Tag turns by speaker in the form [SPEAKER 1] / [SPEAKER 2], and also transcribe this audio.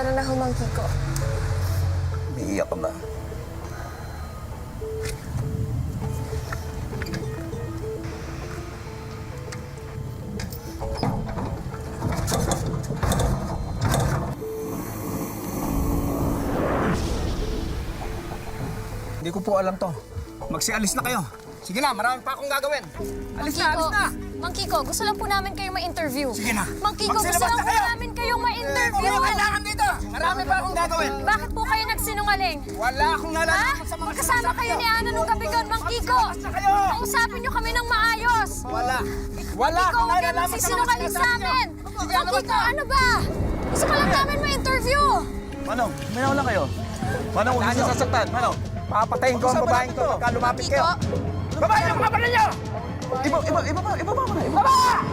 [SPEAKER 1] Tara na, Mang Kiko.
[SPEAKER 2] Umiiyak ka ba?
[SPEAKER 3] Hindi ko po alam to. Magsialis na kayo. Sige na, marami pa akong gagawin. Alis na, alis na!
[SPEAKER 1] Mang Kiko, gusto lang po namin kayong ma-interview.
[SPEAKER 3] Sige na.
[SPEAKER 1] Mang Kiko, gusto
[SPEAKER 3] Magsilabas
[SPEAKER 1] lang
[SPEAKER 3] na
[SPEAKER 1] po
[SPEAKER 3] kayo.
[SPEAKER 1] namin kayong ma-interview.
[SPEAKER 3] Hindi ko kailangan dito. Marami pa akong gagawin.
[SPEAKER 1] Bakit po kayo nagsinungaling?
[SPEAKER 3] Wala akong
[SPEAKER 1] Ha?
[SPEAKER 3] nalalaman sa mga
[SPEAKER 1] Magkasama
[SPEAKER 3] sinasabi
[SPEAKER 1] kayo
[SPEAKER 3] niyo.
[SPEAKER 1] ni Ana nung gabi doon, Mang Kiko.
[SPEAKER 3] Magsilabas na kayo.
[SPEAKER 1] Kausapin niyo kami ng maayos.
[SPEAKER 3] Wala. Wala
[SPEAKER 1] Ikaw,
[SPEAKER 3] akong
[SPEAKER 1] huwag kayo
[SPEAKER 3] nalalaman sa mga
[SPEAKER 1] magsisinungaling sa
[SPEAKER 3] sinasabi niyo.
[SPEAKER 1] amin. Mang Kiko, ano ba? Gusto ka lang namin ma-interview.
[SPEAKER 2] Manong, minaw lang kayo. Manong, huwag niyo sasaktan. Manong.
[SPEAKER 3] Papatayin ko ang babaeng to pagka lumapit kayo. Babae ang kapalan niyo!
[SPEAKER 2] Iba mo na.
[SPEAKER 3] Baba!